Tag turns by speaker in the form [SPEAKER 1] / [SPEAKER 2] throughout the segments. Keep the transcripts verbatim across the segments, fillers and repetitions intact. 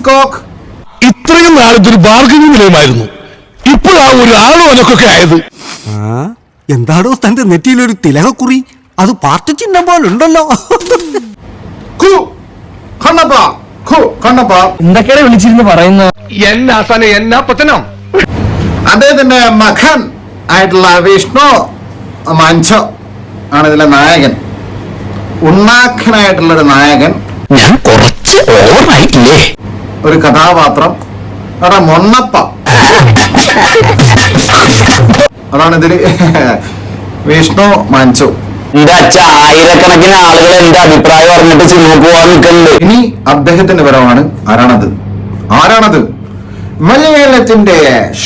[SPEAKER 1] Peacock.
[SPEAKER 2] ഇത്രയും നാളത്തൊരു bargaining നിലയമായിരുന്നു, ഇപ്പോഴാണ് ഒരു ആളുവനക്കൊക്കെ ആയത്.
[SPEAKER 3] എന്താണോ തന്റെ നെറ്റിയിലൊരു തിലകക്കുറി? അത് പാർട്ടി ചിഹ്നം പോലുണ്ടല്ലോ.
[SPEAKER 4] എന്തൊക്കെയാണ് വിളിച്ചിരുന്ന് പറയുന്നത്?
[SPEAKER 1] അദ്ദേഹത്തിന്റെ മകൻ ആയിട്ടുള്ള വിഷ്ണു മഞ്ചോ ആണ് ഇതിലെ നായകൻ. ഉണ്ണാഖനായിട്ടുള്ള ഒരു നായകൻ,
[SPEAKER 2] ഞാൻ കുറച്ച് ഓവറായില്ലേ?
[SPEAKER 1] ഒരു കഥാപാത്രം അവിടെ മൊണ്ണപ്പ, അതാണ് ഇതില് വിഷ്ണു മഞ്ചു.
[SPEAKER 4] എന്റെ അച്ഛ, ആയിരക്കണക്കിന് ആളുകൾ എന്റെ അഭിപ്രായം പറഞ്ഞിട്ട് സിനിമ പോവാൻ നിൽക്കുന്നുണ്ട്.
[SPEAKER 1] ഇനി അദ്ദേഹത്തിന്റെ പരമാണ്. ആരാണത്? ആരാണത്? മലയാളത്തിന്റെ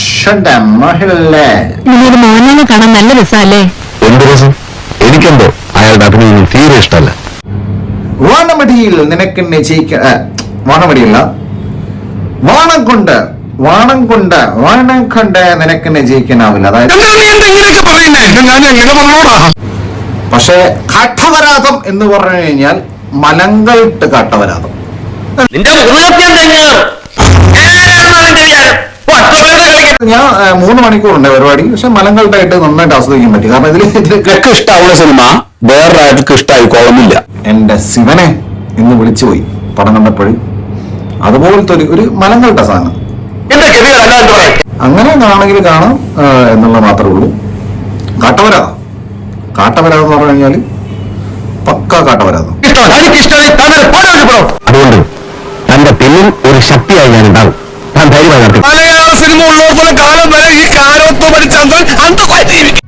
[SPEAKER 5] മോഹൻലാലിനെ കാണാൻ നല്ല രസമല്ലേ?
[SPEAKER 2] എന്ത് രസം? എനിക്കെന്തോ അയാളുടെ അഭിനയം തീരെ ഇഷ്ടമല്ല.
[SPEAKER 1] വാണമടിയിൽ നിനക്ക് ജയിക്ക വാണമടിയില്ല വാണം കൊണ്ട് വാണം കൊണ്ട് വാണം കൊണ്ട് നിനക്ക് ജയിക്കാനാവില്ല. അതായത് പക്ഷേ കാട്ടവരാതം എന്ന് പറഞ്ഞു കഴിഞ്ഞാൽ മലങ്കൾട്ട് കാട്ടവരാതം. ഞാൻ മൂന്ന് മണിക്കൂറുണ്ട് പരിപാടി, പക്ഷെ മലങ്കൾട്ടായിട്ട് നന്നായിട്ട് ആസ്വദിക്കാൻ പറ്റി. കാരണം ഇതിൽ ഇതിലൊക്കെ
[SPEAKER 2] ഇഷ്ടമാവുന്ന സിനിമ വേറൊരാൾക്ക് ഇഷ്ടമായിക്കോളുന്നില്ല.
[SPEAKER 1] എന്റെ ശിവനെ എന്ന് വിളിച്ചുപോയി പടം കണ്ടപ്പോഴും. അതുപോലത്തെ ഒരു ഒരു മലങ്കൾട്ട സാധനം അങ്ങനെ ആണെങ്കിൽ കാണാം എന്നുള്ള മാത്രമേ ഉള്ളൂ. കാട്ടവരാതം കാട്ടവരാതം എന്ന് പറഞ്ഞു കഴിഞ്ഞാല് പക്ക കാട്ടവരാതം.
[SPEAKER 2] അതുകൊണ്ട് തന്റെ പിന്നിൽ ഒരു ശക്തിയായി ഞാൻ ഉണ്ടാവും. താൻ ധൈര്യമായി നടക്കും.
[SPEAKER 6] മലയാള സിനിമ ഉള്ളതുപോലെ കാലം വരെ ഈ കാലത്വം ഭരിച്ചാൽ